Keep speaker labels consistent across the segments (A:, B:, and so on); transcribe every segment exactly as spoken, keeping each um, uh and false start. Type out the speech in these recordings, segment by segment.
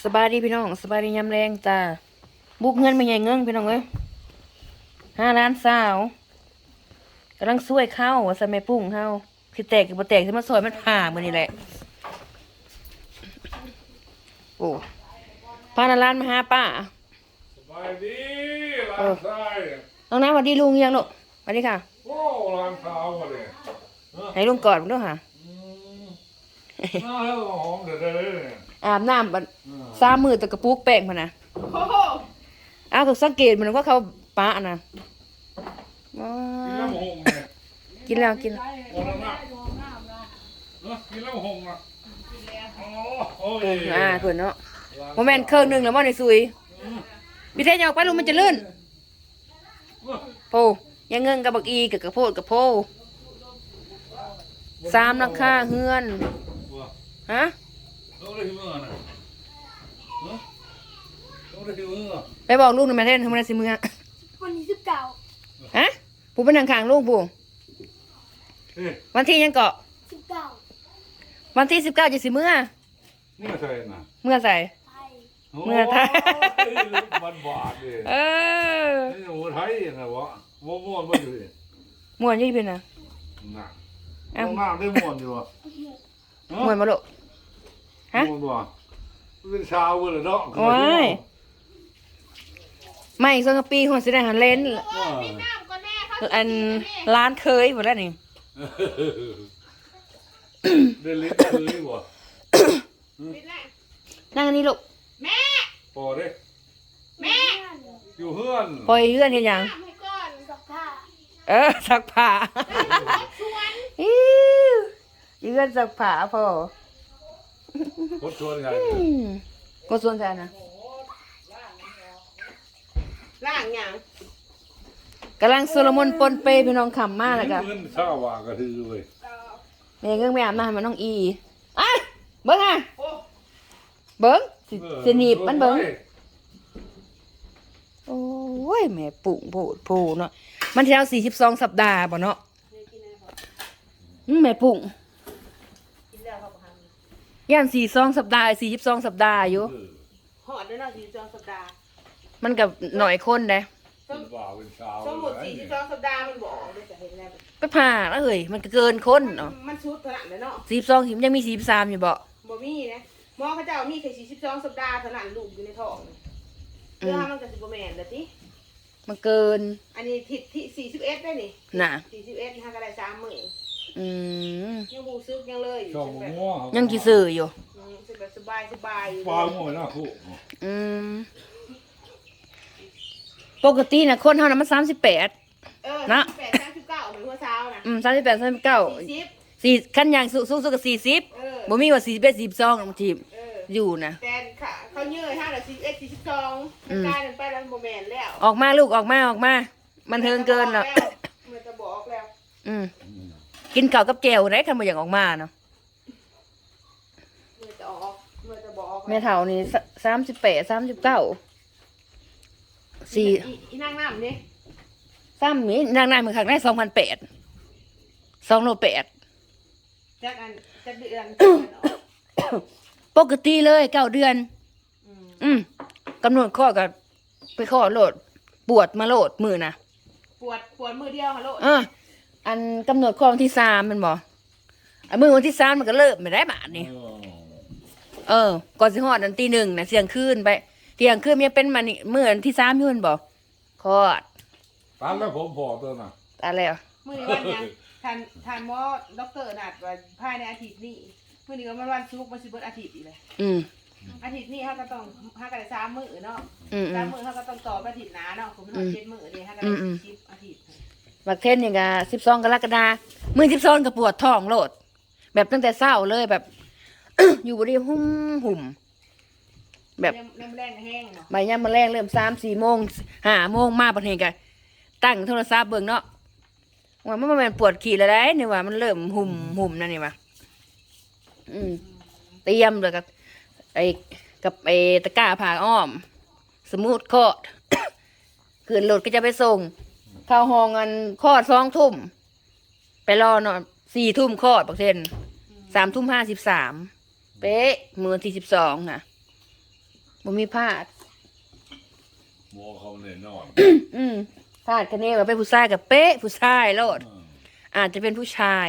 A: สบายดีพี่น้องสบายดียามแรงจ้าบุกเงินไม่ใหญ่เงินพี่น้องเอ้ยห้าล้านสาวกำลังช่วยเข้าว่าใส่แม่ปุ้งเข้าคือแตกกับบ่แตกที่มันซอยมันผ่ามือนี่แหละโอ้พานาล้านมาหาป้า
B: สบายดีหลานชาย
A: น้องน้ำสวัสดีลุงยังลูกสวัสดีค่ะ
B: โอ้หลานสาวมาเลย
A: ให้ลุงกอดมันด้วยค่ะ
B: น่าให้หอมเด็ดเลยเนี่ย
A: อาบน้ำบัดสามมือตะกระปุกแป้งมันนะอ้าวก็สังเกตมันว่าเขาปะนะอ๋อ
B: กินแล้วหงเนี่ย
A: กินแล้วกิน
B: โอ้ละนะเนอะกินแล้วหงอ่ะโอ้โอ้
A: เอย ออ่าเพื่อนเนาะโมเมนต์เครื่องหนึ่งแล้วว่าในซุยพี่เทยอยากไปลุงมันจะลื่นโพยังเงินกับบักอีกับกระโพดกับโพสามราคาเฮือนฮะ
B: ต้องได้ที่มือนะเนอะต้องได้ที่มือ
A: ไปบอกลูกหน่อยแม่เทนทำอะไรสิมือ
C: วันที่สิบเก้า
A: ฮะผู้เป็นทางข้างลูกผู้
B: เฮ้ย
A: วันที่ยังเกาะ
C: สิบเก้า
A: วันที่สิบเก้าจะสิมือ
B: นี่มาใส่น่ะ
A: เมื่อใส่
C: ไทย
A: เมื่อไทย
B: บ้านบาดเลย
A: เออ
B: นี่หนูไทยนะวะม้วนม้วนมาอยู่ดิ
A: ม่วนอยี่เป็นนะ
B: น่ะต้องน้ำได้ม้วนอยู่วะ
A: ม่วนมาลูกฮะ
B: ม้วนวะเป็นชาวเลยเนาะ
A: โอ้ยไม่สังกะปีหัวสิได้หันเลน
B: ว่า
A: อันร้านเคยหมดแล้วนี่
B: เดินลิ้นเลยว่ะ
A: นั่งอันนี้ลูก
B: พอเด้
C: แม่
B: อยู่เฮือน
A: ปล่อยเลื่อนเห็นยัง
C: ให้ก่อนสักผ้า
A: เออสักผ้าอิ๊วเลื่อนสักผ้าพอ
B: คนชวนไง
A: อืมก็ส่วนใจนะ
D: ล่างหยัง
A: กำลังโซโลมอนปนเปพี่น้องขำมากเลยค่ะ
B: เงินชาววากระทือเว้ย
A: แม่เงื่งไม่อาบน้ำให้มันน้องอีอ่ะเบิ้งอ่ะเบิ้งสิสิหนีบมันเบิ้งโอ้ยแม่ปุ่งโผดโผเนาะมันเท่าสี่สิบสองสัปดาห์บ่เนาะอืมแม่ปุ่ง
D: กินแล้วครับพัน
A: ย่านสี่สองสัปดาห์สี่สิบสองสัปดาห์อยู่
D: หอดได้เนาะสี่สิบสองสัปดาห์
A: มันกับหน่อยคนเด้
B: เป็นบ่าวเป็นชาว
D: สมมุติสี่สิบสองสัปดาห์มันบอกเลยจะเห็นแล้ว
A: ไปผ่าแล้วเฮ้ยมันก็เกินคนเนาะ
D: มันชุดขนาดนั้นเนาะ
A: สี่สิบสองสิยังมีสี่สิบสามอยู่บ่
D: บ่มีนะหมอเขาเจ้ามีแค่สี่สิบสองสัปดาห์เท่านั้นลูกอยู่ในท้องเรื่องมันก็สิบ่แม่นเด้อติ
A: มันเกิน
D: อันนี้ทิศที่สี่สิบเอ็ดได้นี่
A: น่ะ
D: สี่สิบเอ็ดฮะก็ได้สามมื้อ
A: อืม
D: ยังบ่ซึกยังเลย
B: ช่องม่วง
A: ยังกี่สื่ออยู่
D: แบบสบายสบายอยู่
B: ปลาม่วงนะคู่
A: อืมปกติน่ะคนเฮาน่ะมันสามสิบแปด
D: เออ
A: นะ
D: แปดสามสิบเก้าเหมือนหัวเช้านะ
A: อืมสามสิบแปดสามสิบเก้า
D: สี่สิบ
A: สี่ขั้นอย่างสูงสูงสุดก็สี่สิบ
D: เออ
A: บ่มีว่าสี่สิบเอ็ดสี่สิบสองบางที
D: เออ
A: อยู่นะ
D: แต่ค่ะเขาเยอะห้าหรือสี่สิบเอ็ดสี่สิบสองกลายเป็นไปแล้วโมเมนต์แล้ว
A: ออกมาลูกออกมาออกมา มันเทิงเกินแล้ว
D: มันจะบอกแล้ว
A: อืมกินข้าวกับแจ่วได้คันบ่อยากออกมาเนาะ
D: มันจะออกมันจะบอก
A: แม่เฒ่านี่สามสิบแปดสามสิบเก้าสี่
D: อีนั่งน้ำนี่
A: ซ้ำนี้นางนายมือขังได้สองพันแปดสองโลแปด
D: จากอันจากเดือน
A: ปกติเลยเก้าเดือน อืมกำหนดข้อกับไปข้อโหลด ปวดมาโหลดมือนะ
D: ปวดปวดมือเดียวฮัลโหล
A: อ่ะอันกำหนดข้อวันที่สามมันบอกอันมือวันที่สามมันก็เริ่มไม่ได้บาทนี่เออ ก่อนสิฮอดอันตีหนึ่งนะเสียงคืนไปเสียงคืนมันยังเป็นมันนี่มืออันที่สามอยุ่นบอกคลอด
B: ตามแล้วผมพอตัวน่ะ
A: อะไรอ่ะ
D: มือนี้วันยังทานทานหมอด็อกเตอร์นัดว่าภายในอาทิตย์นี้มือนี้ก็มันวันศุกร์มันสิเบิดอาทิตย์อีกเลย
A: อืม
D: อาทิตย์นี้เขาก็ต้องเขาก็ได้สามมื้อเนาะ
A: อืมอื
D: สาม
A: ม
D: มื้อเขาก็ต้องต่อไปอาทิตย์หน้าเนาะผมนอนเจ็ดมื้อนี่เขาก็
A: อื
D: ได้
A: มอืม
D: สิบอาทิตย์
A: บักเทนนี่ก็สิบสองกรกฎามือสิบสองก็ปวดท้องโหลด แบบตั้งแต่เศร้าเลยแบบ อยู่บริหุ่มหุ่ม แบบ
D: น้ำแรงแห้งเนาะ
A: ใบย่ำมาแรงเริ่มสามสี่โมงห้าโมงมาประเทศกันตั้งโทรศัพท์เบิ่งเนาะว่ามันมันปวดขี่แล้วได้นี่ว่ามันเริ่มหุ่มหุ่มนั่นนี่ว่าอืมเตรียมเลยกับไอ้กับไอ้ตะกร้าผ่าอ้อม สมูทคอด ขืนรถก็จะไปส่ง เข้าห้องกันคลอดสองทุ่มไปรอนอนสี่ทุ่มคลอดประเทศสามทุ่มห้าสิบสามเป๊ะมือที่สิบสองนะบ่มีพลาด
B: หมอเขาแน่นอน
A: อืมพลาดคะแนนว่าเป็นผู้ชายกับเป๊ะผู้ชายโลด
B: อืม
A: อาจจะเป็นผู้ชาย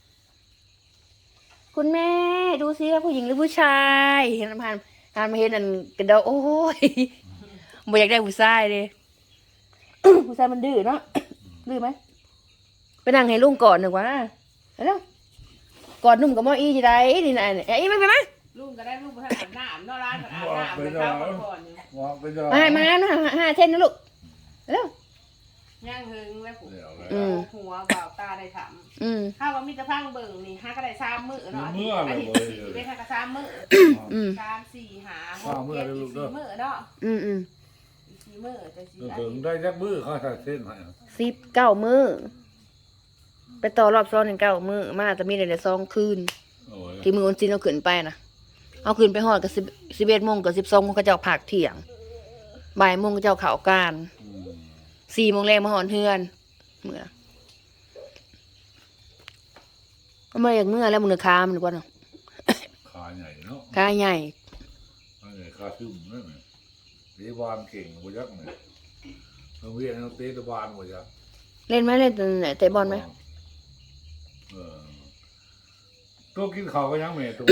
A: คุณแม่ดูซิว่าผู้หญิงหรือผู้ชายเห็นผ่านผ่านมาเห็นอันกระเดาโอ้ยบ่อยากได้ผู้ชายเลย ผู้ชายมันดื้อเนาะ ดื้อไหมไปนั่งให้ลุงก่อนหนึ่งวะแล้วกอดนุ่มกับหมออีจีได้นี่นะไอ้ไม่ไปไหม
D: ลุงก็ได้ลุงไปอาบน้ำนอกร้านก็อาบน้ำไปเข้าก่อนอยู่
B: วางไปเด้อ
A: มามานะห้าเท่นนะลูกแล้ว
D: ย่างหึงแล้วผม
B: เดี๋ยวเลย
A: อืม
D: หัวเบาตาได้ถาม
A: อืม
D: ถ้าว่ามีแต่พังเบิ่งนี่ห้าก็ได้สามมื้อเนาะ
B: เมื่อ
D: อา
B: เลย
D: ทิต
B: บ่
D: ย์
B: เลย
D: ได้ห้าก็สามมื้อ
A: อืม
D: สามสี่หาห
B: สาก มมื้อ
D: เจ็ด
B: เลยลู
D: อี
B: ก
D: ก
B: เด้อ
D: สี่มื้อเนาะ
A: อืมอืม
D: อีกสี่มื้อแต่สี่
B: ก็
D: อา
B: ถึ
D: ทิ
B: ง
D: ตย์
B: ได้จักมือเขาใส่เส้นให้
A: สิบเก้ามือไปต่อรอบซ้อนหนึ่งเก้ามือมาแต่มีแต่สองคืน
B: โอ้ย
A: ที่มือวันจีนเอาขึ้นไปนะเอาขึ้นไปหอดกับสิบสิบเอ็ดโมงกับสิบสองโมงก็เจ้าผักเที่ยงบ่ายโมงก็เจ้าข่าวการ
B: อืม
A: สี่โมงแรงมาหอนเฮือนเมื่อก็มาอย่างเมื่อแล้วมือค้ามันกว่าเนาะ
B: ขาใหญ่เนาะ
A: ค้าใหญ่
B: ขาใหญ่ขาซึมนั่นน่ะเตะบอลเก่งบ่ยักเนี่ยโรงเรียนเขาเตะบอลบ่ยัก
A: เล่นไหมเล่นเตะบอลไหม
B: เออตัวกินข้าวก็ยังแม่ตัว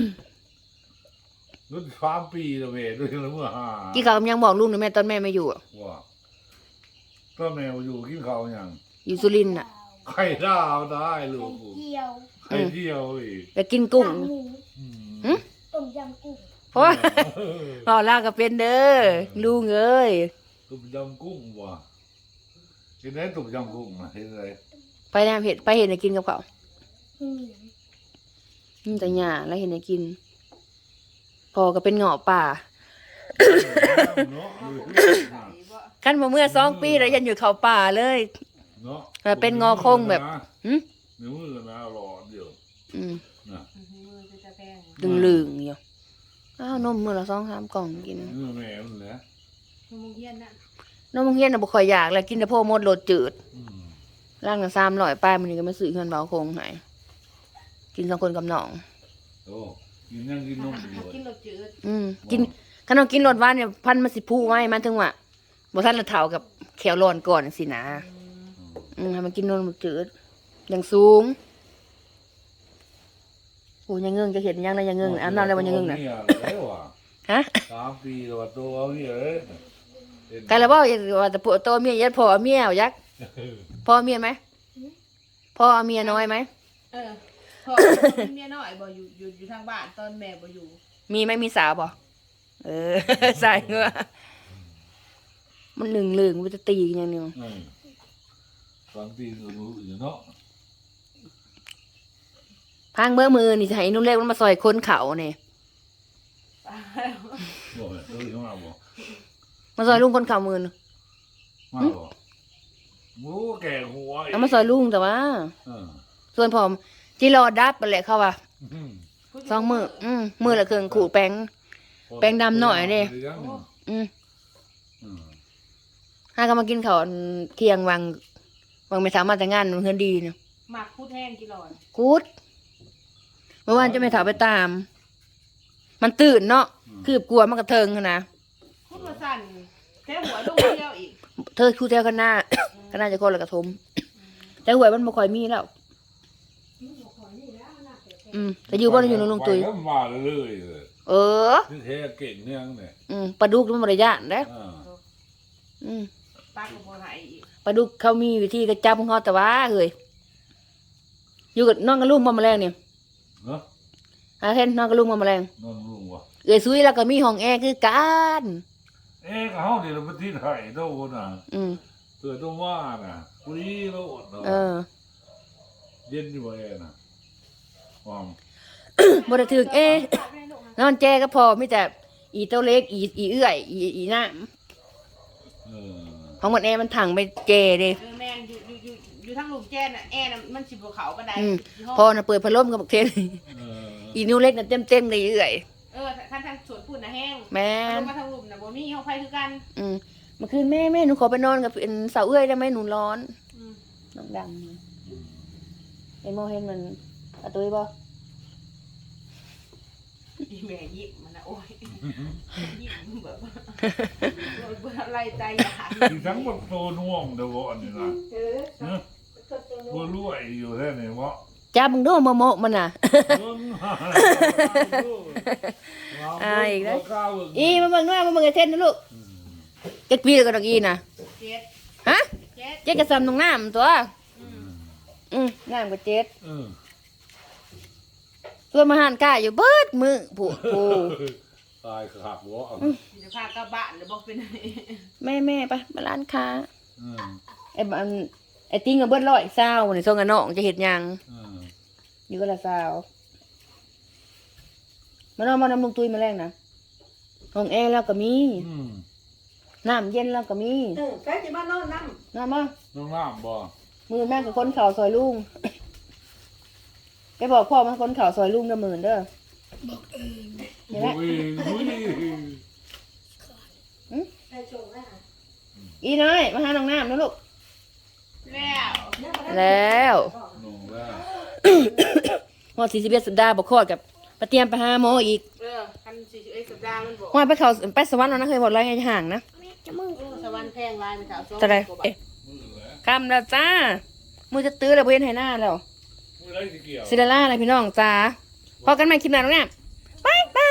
B: รุ่นสามปีแล้วแม่ด้วยแล้วเมื่อห้า
A: กี่เขาวยังบอกลูกหนูแม่ตอนแม่ไม่อยู่อะ
B: ว่าก็แมวอยู่กินข้าวยัง
A: อยู่สุรินทร์อ่ะ
B: ไข่ดาวได้ลูก
C: เกี๊ยว
B: ไข่เดียวอีก
A: ไปกินกุ้ง
C: หมู
B: อืม
A: หึ
C: ต้มยำกุ้ง
A: เพราะว่า พ่อลากก็เป็นเด้อลุงเอ้ย
B: ตุ่มยำกุ้งว่ะเห็นไหมตุ่มยำกุ้งนะเห็นไหม
A: ไปแนมเห็ดไปเห็ดให้กินกับเขาว
C: อืม
A: อืมแต่หยาแล้วเห็ดให้กินพอก็เป็นเงาะป่า
B: เนาะ
A: กันมาเมื่อสองปีแล้วยันอยู่เขาป่าเลย
B: เนาะ
A: แต่เป็นงอคงแบบ หึ
B: เนื้อมือนะรอเดียว
A: อืม
B: นะ
D: มือจะจะแพง
A: ดึงลึงๆอยู่อ้าวนมมือละสองสามกล่องกิน
B: เนื้อแม่มันแหละ
D: มือมุงเฮียนน่ะ
A: นมเฮียนน่ะบ่ค่อยอยากแล้วกินแต่โพวกมดโลดจืด
B: อืม
A: ร่างละสามร้อยป้ายมันนี่ก็ไม่ซื้อเงินเบาคงให้กินสองคนกับน้อง
B: โอ้กินยังกินนมอยู่
D: กินรสจืด
A: อืมกินขนมกินรสหวานเนี่ยพันมาสิพูไว้มันถึงว่าบ่ทันละเท่ากับแขวร้อนก่อนสินะอืมให้มันกินนมจืดอย่างสูงโอ้ยังเงิงจะเห็นยังนะยังเงิงอาบน้ำแล้วมันยังเงิงน่ะ
B: เนี่ยอะไรวะ
A: ฮะ
B: สามปีแล้วตัวเอาเนี่ยเลย
A: ไกละบ่ว่าแต่ผัวโตเมียยัดพ่อเอาเมียเอายักษ์พ่อเอาเมียไหมพ่อเอาเมียน้อยไหม
D: เออพอมีเมียน้อยบ่อยู่อยู่อยู่ทางบ้านตอนแม่บ่อยู่
A: มีไหมมีสาวบ่เออ ใส่เงือมันหนึ่งเหลืองมันจะตีกันอย่างเดียว
B: อืมสามปีก็รู้อยู่เนาะ
A: พังเมื่อมือนี่จะให้นุ่นเล็กมันมาซอยคนเขาเนี่ย
B: บ่เอ้ยมาบ่
A: มาซอยลุงคนเขามือน่ะ
B: มาบ่หมูแก่หัวอีก
A: เอามาซอยลุงแต่ว่า
B: เออ
A: ส่วนผมจีรอดับไปแหละเขาว่า
B: อืม
A: สองมืออืมมือละเครื่องขูดแป้ง แป้งดำหน่อยดิ อืม
B: อืม
A: ห้าก็มากินข้าวเที่ยงวังวังไม่สามารถแต่งงานมันเฮือนดีเนาะ
D: หมักพูดแห้งกี่หลอน
A: กูดเมื่อวานจะไม่ถามไปตาม มันตื่นเนาะคืบกลัวมันกระเทิงหั้นนะ
D: พูดมาสั่นแค่หัวลูกเดียวอีก
A: เธอคู่เที่ยวกันหน้าก็น่าจะคนละกระทมแต่หวยมันบ่ค่อยมีแล้ว อืมแต่อยู่บ้านอยู่ในลุงตุย
B: ไปแล้วมาเรื่อยๆเลย
A: เออ
B: ที่แท้เก่งเนี่ยเนี่ย
A: อืมปลาดุกมันบริยานนะ
B: อ่า
A: อืม
D: ตากับบัวไหายอีก
A: ปลาดุกเขามีวิธีกระจับของเขาแต่ว่าเฮ้ยอยู่กับน้องกับลุงมาแมลงเนี่ย
B: เนาะ
A: อาเทนน้องกับลุงมาแมลง
B: นอนลุงวะ
A: เอ้ยซุยแล้วก็มีห้องแอร์คือกัน
B: เอ๊ะเขาเดี๋ยวเราไปที่ไทยโดนน่ะ
A: อืม
B: เกิดต้องว่าน่ะคุยโลดเนาะ
A: เออ
B: เย็นอยู่บ่เอ็น่ะความ
A: บ่ได้ถึกเอ๊ะนอนแจก็พอมีแต่อีเต้าเล็กอีอีเอื้อยอีอีน้
B: เออ
A: ำของมันแอร์มันถังไปเจเด้
D: เออแมนอยู่อยู่อยู่อยู่ทางลุงแจ้น่ะแอร์น่ะมันสิบเขาบันได
A: อืม
D: ที่ห้อง
A: พอน่ะเปิดพัดลมกับบักเทน
B: เออ
A: อีนิ้วเล็กน่ะเต็มๆเลยเอื้อย
D: เออท่านทางสวนปุ่นน่ะแห้ง
A: แม่น
D: ลงมาทางลุมน่ะบ่มีห้องไฟคือกัน
A: อืมเมื่อคืนแม่แม่หนูขอไปนอนกับเป็นสาวเอื้อยได้ไหมหนูร้อน
D: อืม
A: น้องดำไอ้โมเห็นมันอะตุยบ่
D: อีแม่ยิ้มมันนะโอ้ยยิ้มแบบเบื่ออะไรใจอยาก
B: ที่ทั้งหมดโตน่วมเดี๋ยวก่อนนี่นะ
D: เออ
B: เนอะบัวรวยอยู่แท้ไหนวะ
A: จ้ามึงดูโมโมมันน่ะ
B: เบิ่ง
A: อ่าอีกแล้ว
B: ข้าวเบิ่ง
A: อีมาเบิ่งด้วยมาเบิ่งไอ้เทนนะลูกเจ็ดปีแล้วก็ดอกอีน่ะ
D: เจ็ด
A: ฮะ
D: เจ็ด
A: เจ็ดกระซำตรงน้ำตัว
D: อืม
A: อืมน้ำก็เจ็ด
B: เออ
A: ตัวมาหันกายอยู่เบิดมือผู้ผู้
B: ตายขาดวะ
D: เดี๋ยวพากลับบ้านหรือบอกเป็นไง
A: แม่แม่ไปมาร้านค้า
B: เออ
A: ไอ้บันไอ้ติ้งกับเบิดร้อยเศร้าในส่งกันน้องจะเห็ดหยัง
B: เออ
A: อยู่ก็ละเศร้ามันเอามานำลงตุยมาแรงนะห้องแอร์แล้วก็มี
B: อืม
A: น้ำเย็นแล้วก็มี
D: เออใครจะมานอนน้
A: น้ำมา
B: น้องน้ำบ่
A: มือแม่กับคนเข่าวซอยลุงไปบอกพ่อมันคนเข่าวซอยลุงเด้อหมื่นเด้อ
C: บอกเออ
A: เห็นไหม
B: อุ้ยอุ้ย
C: ไปโชว์ให้หา
A: อีน้อยมาหาน้องน้ำนะลูก
D: ำแล้ว
A: แล้ว
B: นงแล้ว
A: หอดสี่สิบเอ็ดสัปดาห์บอกคลอดกับไปเตรียมไปหาหมออีก
D: เออคันสี่สิบเอ็ดสัปดาห์มันบอก
A: หอดไปเขาไปสวรรค์แล้วนะเคยหมดไรให้ห่างนะ
C: จะมึง
D: เออสวรรค์แพงลายไปสาวสอง
A: จะไร
D: กว่าบา
A: เอ๊ะ
D: ท
A: คำแล้วจ้ามือจะตื้อแล้วเพื่อนให้หน้าแล้ว
B: มือไรสิเกี่ยว
A: ซิลล่าอะไรพี่น้องจ้าพอกันใหม่คลิปหน้าน้องเนี่ยบายบา